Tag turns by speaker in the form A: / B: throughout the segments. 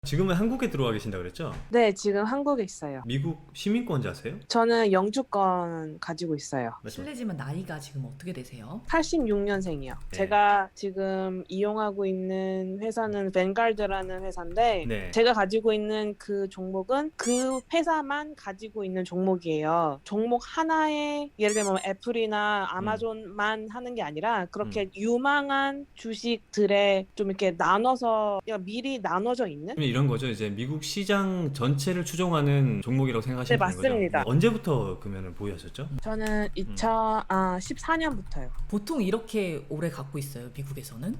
A: 지금은 한국에 들어와 계신다 그랬죠?
B: 네, 지금 한국에 있어요.
A: 미국 시민권자세요?
B: 저는 영주권 가지고 있어요.
A: 맞죠?
C: 실례지만 나이가 지금 어떻게 되세요?
B: 86년생이요.
A: 네.
B: 제가 지금 이용하고 있는 회사는 벤갈드라는 회사인데
A: 네.
B: 제가 가지고 있는 그 종목은 그 회사만 가지고 있는 종목이에요. 종목 하나에 예를 들면 애플이나 아마존만 하는 게 아니라 그렇게 유망한 주식들에 좀 이렇게 나눠서 미리 나눠져 있는?
A: 이런 거죠. 이제 미국 시장 전체를 추종하는 종목이라고 생각하시면
B: 네,
A: 되는 거죠.
B: 맞습니다.
A: 언제부터 그러면 보유하셨죠?
B: 저는 2014년부터요.
C: 보통 이렇게 오래 갖고 있어요, 미국에서는?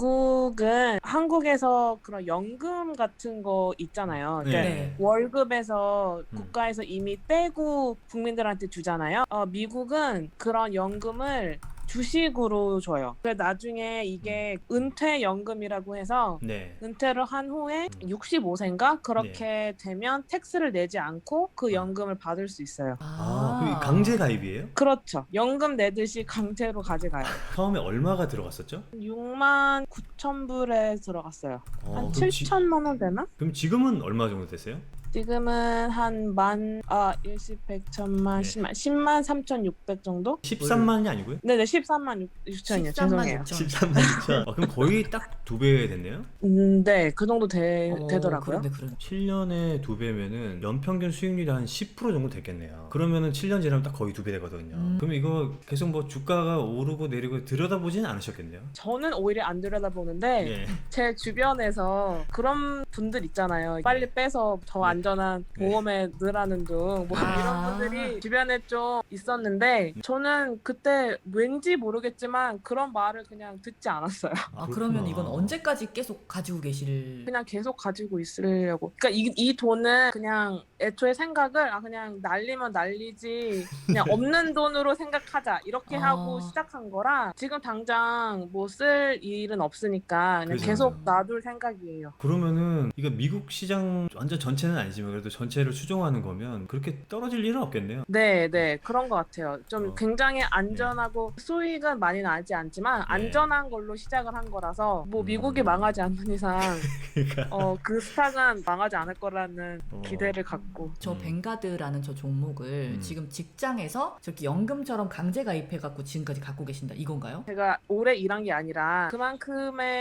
B: 미국은 한국에서 그런 연금 같은 거 있잖아요. 그러니까
C: 네.
B: 월급에서 국가에서 이미 빼고 국민들한테 주잖아요. 미국은 그런 연금을 주식으로 줘요. 그래서 나중에 이게 은퇴연금이라고 해서
A: 네.
B: 은퇴를 한 후에 65세인가 그렇게 되면 텍스를 내지 않고 그 연금을 받을 수 있어요.
A: 그럼 강제 가입이에요?
B: 그렇죠. 연금 내듯이 강제로 가져가요.
A: 처음에 얼마가 들어갔었죠?
B: 6만 9천 불에 들어갔어요. 한
A: 그럼
B: 7천만 원 되나?
A: 그럼 지금은 얼마 정도 되세요?
B: 지금은 한 일십, 백, 천만,
A: 네.
B: 10만 3,600 정도?
A: 13만이 아니고요?
B: 네네, 13만 6천이요.
C: 13만
B: 죄송해요.
C: 6천.
A: 13만 6천. 그럼 거의 딱 2배 됐네요?
B: 네, 그 정도 되더라고요.
C: 그런데
A: 7년에 2배면은 연평균 수익률이 한 10% 정도 됐겠네요. 그러면은 7년 지나면 딱 거의 2배 되거든요. 그럼 이거 계속 뭐 주가가 오르고 내리고 들여다보지는 않으셨겠네요?
B: 저는 오히려 안 들여다보는데
A: 예.
B: 제 주변에서 그런 분들 있잖아요. 빨리 빼서 더 안전한
A: 네.
B: 보험에 넣으라는 둥 뭐
C: 아.
B: 이런 분들이 주변에 좀 있었는데 저는 그때 왠지 모르겠지만 그런 말을 그냥 듣지 않았어요.
C: 그러면
A: 그렇구나.
C: 이건 언제까지 계속 가지고 계실?
B: 그냥 계속 가지고 있으려고. 그러니까 이 돈은 그냥 애초에 생각을 그냥 날리면 날리지 그냥 없는 돈으로 생각하자 이렇게 하고 시작한 거라 지금 당장 뭐 쓸 일은 없으니까 그냥
A: 그죠.
B: 계속 놔둘 생각이에요.
A: 그러면은 이거 미국 시장 완전 전체는 아니지만 그래도 전체를 추종하는 거면 그렇게 떨어질 일은 없겠네요.
B: 네, 그런 것 같아요. 좀
A: 어.
B: 굉장히 안전하고 수익은 많이 나지 않지만 안전한 걸로 시작을 한 거라서 뭐 미국이 망하지 않는 이상
A: 그러니까
B: 그 스탁은 망하지 않을 거라는
A: 어.
B: 기대를 갖고.
C: 저 뱅가드라는 저 종목을 지금 직장에서 저렇게 연금처럼 강제 가입해갖고 지금까지 갖고 계신다 이건가요?
B: 제가 오래 일한 게 아니라 그만큼의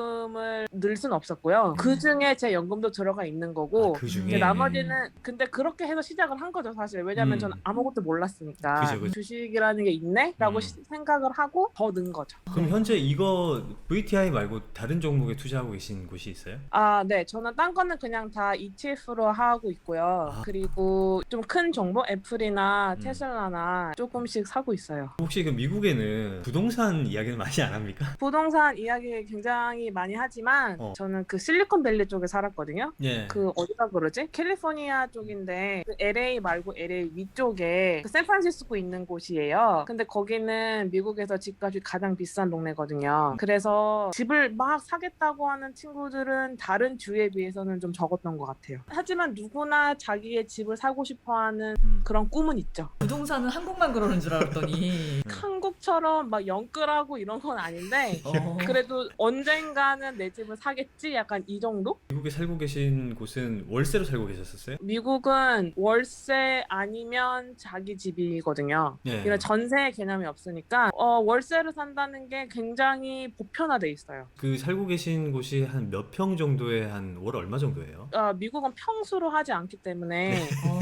B: 연금을 늘 순 없었고요. 그 중에 제 연금도 들어가 있는 거고
A: 그 중에
B: 근데 나머지는 근데 그렇게 해서 시작을 한 거죠 사실. 왜냐면 저는 아무것도 몰랐으니까
A: 그죠.
B: 주식이라는 게 있네? 라고 생각을 하고 더 넣은 거죠.
A: 그럼 현재 이거 VTI 말고 다른 종목에 투자하고 계신 곳이 있어요?
B: 네. 저는 딴 거는 그냥 다 ETF로 하고 있고요. 그리고 좀 큰 종목 애플이나 테슬라나 조금씩 사고 있어요.
A: 혹시 그 미국에는 부동산 이야기는 많이 안 합니까?
B: 부동산 이야기 굉장히 많이 하지만 저는 그 실리콘밸리 쪽에 살았거든요.
A: 예.
B: 그 어디가 그러지? 캘리포니아 쪽인데 그 LA 말고 LA 위쪽에 그 샌프란시스코 있는 곳이에요. 근데 거기는 미국에서 집값이 가장 비싼 동네거든요. 그래서 집을 막 사겠다고 하는 친구들은 다른 주에 비해서는 좀 적었던 것 같아요. 하지만 누구나 자기의 집을 사고 싶어하는 그런 꿈은 있죠.
C: 부동산은 한국만 그러는 줄 알았더니
B: 한국처럼 막 영끌하고 이런 건 아닌데 그래도 언젠가는 내 집을 사겠지? 약간 이 정도?
A: 미국에 살고 계신 곳은 월세로 살고 계셨었어요?
B: 미국은 월세 아니면 자기 집이거든요.
A: 예.
B: 이런 전세 개념이 없으니까 월세를 산다는 게 굉장히 보편화돼 있어요.
A: 그 살고 계신 곳이 한 몇 평 정도에 한 월 얼마 정도예요?
B: 미국은 평수로 하지 않기 때문에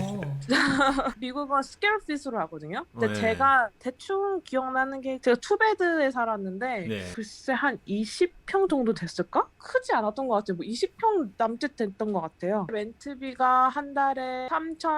B: 미국은 스퀘어핏으로 하거든요. 근데
A: 네.
B: 제가 대충 기억나는 게 제가 투베드에 살았는데
A: 네.
B: 글쎄 한 20평 정도 됐을까? 크지 않았던 것 같아요. 뭐 20평 남짓 됐던 것 같아요. 렌트비가 한 달에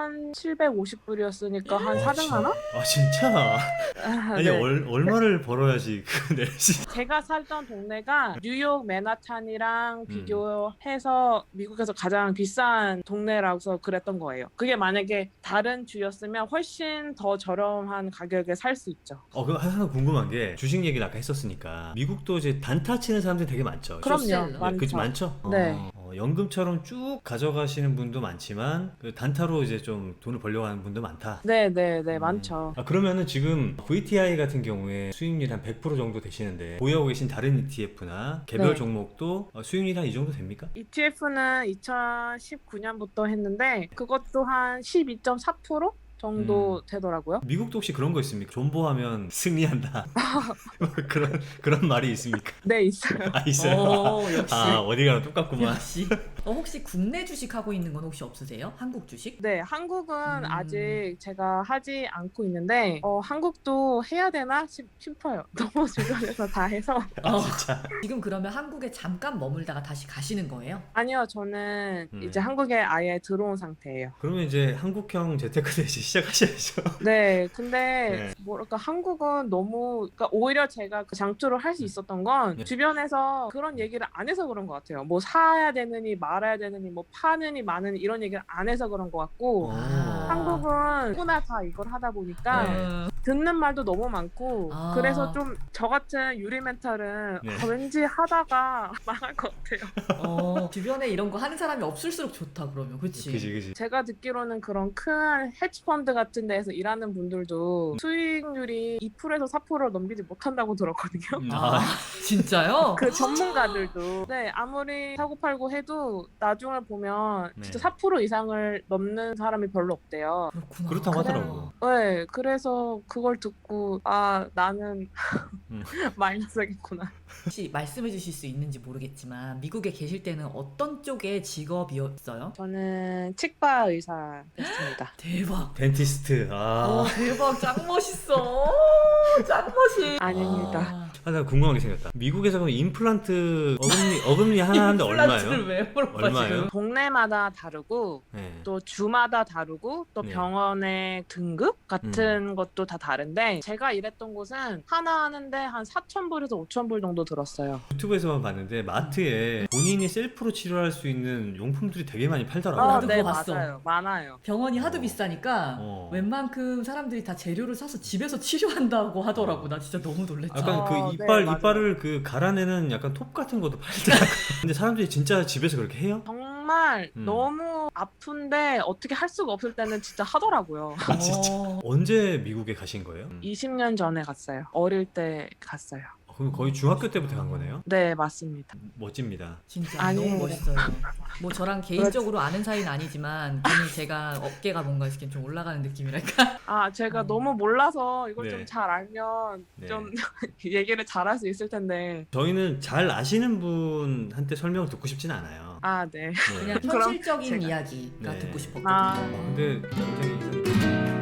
B: 3,750불이었으니까 한 400만 원?
A: 아 진짜? 아니
B: 네.
A: 얼마를 벌어야지 그거 내시?
B: 제가 살던 동네가 뉴욕 맨하탄이랑 비교해서 미국에서 가장 비싼 동네라서 그랬던 거예요. 그게 만약에 다른 주였으면 훨씬 더 저렴한 가격에 살 수 있죠.
A: 그거 하나 궁금한 게 주식 얘기를 아까 했었으니까 미국도 이제 단타 치는 사람들이 되게 많죠.
B: 그럼요.
C: 쇼셀러.
B: 많죠.
A: 그치 많죠?
B: 네.
A: 연금처럼 쭉 가져가시는 분도 많지만 그 단타로 이제 좀 돈을 벌려고 하는 분도 많다.
B: 네네네 많죠.
A: 그러면은 지금 VTI 같은 경우에 수익률이 한 100% 정도 되시는데 보유하고 계신 다른 ETF나 개별
B: 네.
A: 종목도 수익률이 한 이 정도 됩니까?
B: ETF는 2019년부터 했는데 그것도 한 12.4% 정도 되더라고요.
A: 미국도 혹시 그런 거 있습니까? 존버하면 승리한다. 그런 말이 있습니까?
B: 네 있어요.
A: 아, 있어요.
C: 역시.
A: 어디 가나 똑같구만.
C: 역시. 혹시 국내 주식 하고 있는 건 혹시 없으세요? 한국 주식?
B: 네, 한국은 아직 제가 하지 않고 있는데 한국도 해야 되나 싶어요. 너무 주변에서 다 해서.
A: 진짜.
C: 지금 그러면 한국에 잠깐 머물다가 다시 가시는 거예요?
B: 아니요, 저는 이제 한국에 아예 들어온 상태예요.
A: 그러면 이제 한국형 재테크도 이제 시작하셔야죠.
B: 네, 근데
A: 네.
B: 뭐랄까 한국은 너무 그러니까 오히려 제가 그 장투를 할 수 있었던 건
A: 네.
B: 주변에서 그런 얘기를 안 해서 그런 것 같아요. 뭐 사야 되느니 말아야 되느니 뭐 파느니 마느니 이런 얘기를 안 해서 그런 것 같고 한국은 누구나 다 이걸 하다 보니까
A: 네.
B: 듣는 말도 너무 많고
C: 아.
B: 그래서 좀 저 같은 유리 멘탈은
A: 네.
B: 왠지 하다가 망할 것 같아요.
C: 주변에 이런 거 하는 사람이 없을수록 좋다 그러면 그치?
A: 그지.
B: 제가 듣기로는 그런 큰 헤지펀드 같은 데에서 일하는 분들도 수익률이 2%에서 4%를 넘기지 못한다고 들었거든요.
C: 아 진짜요?
B: 그 전문가들도 네 아무리 사고 팔고 해도 나중을 보면
A: 네.
B: 진짜 4% 이상을 넘는 사람이 별로 없대요.
C: 그렇구나.
A: 그렇다고
B: 그래.
A: 하더라고.
B: 네 그래서 그걸 듣고 아 나는 마이너스겠구나.
C: 혹시 말씀해 주실 수 있는지 모르겠지만 미국에 계실 때는 어떤 쪽의 직업이었어요?
B: 저는 치과 의사였습니다.
C: 대박.
A: 덴티스트.
C: 대박 짱 멋있어. 짱 멋있.
B: 아닙니다.
A: 나 궁금한 게 생겼다. 미국에서 그럼 임플란트 어금니 하나 하는데 얼마예요?
C: 왜 물어봐
A: 얼마예요?
C: 지금?
B: 동네마다 다르고
A: 네.
B: 또 주마다 다르고 또
A: 네.
B: 병원의 등급 같은 것도 다 다른데 제가 일했던 곳은 하나 하는데 한 4,000불에서 5,000불 정도 들었어요.
A: 유튜브에서만 봤는데 마트에 본인이 셀프로 치료할 수 있는 용품들이 되게 많이 팔더라고요.
C: 나도
B: 네
C: 그거 봤어.
B: 맞아요. 많아요.
C: 병원이 하도 비싸니까 웬만큼 사람들이 다 재료를 사서 집에서 치료한다고 하더라고. 나 진짜 너무 놀랬잖아.
A: 약간 그
B: 네,
A: 이빨을 그 갈아내는 약간 톱 같은 것도 팔더라고요. 근데 사람들이 진짜 집에서 그렇게 해요?
B: 정말 너무 아픈데 어떻게 할 수가 없을 때는 진짜 하더라고요.
A: 진짜. 언제 미국에 가신 거예요?
B: 20년 전에 갔어요. 어릴 때 갔어요.
A: 그럼 거의 중학교 때부터 간 거네요?
B: 네 맞습니다.
A: 멋집니다.
C: 진짜
B: 아니에요.
C: 너무 멋있어요. 뭐 저랑 개인적으로 아는 사이는 아니지만 괜히 제가 어깨가 뭔가 이렇게 좀 올라가는 느낌이랄까.
B: 아 제가 너무 몰라서 이걸
A: 네.
B: 좀 잘 알면
A: 네.
B: 좀 얘기를 잘 할 수 있을 텐데
A: 저희는 잘 아시는 분한테 설명을 듣고 싶진 않아요.
B: 아 네.
A: 네.
C: 그냥
B: 그럼
C: 현실적인
B: 제가-
C: 이야기가
A: 네.
C: 듣고 싶었거든요.
B: 아.
A: 근데 굉장히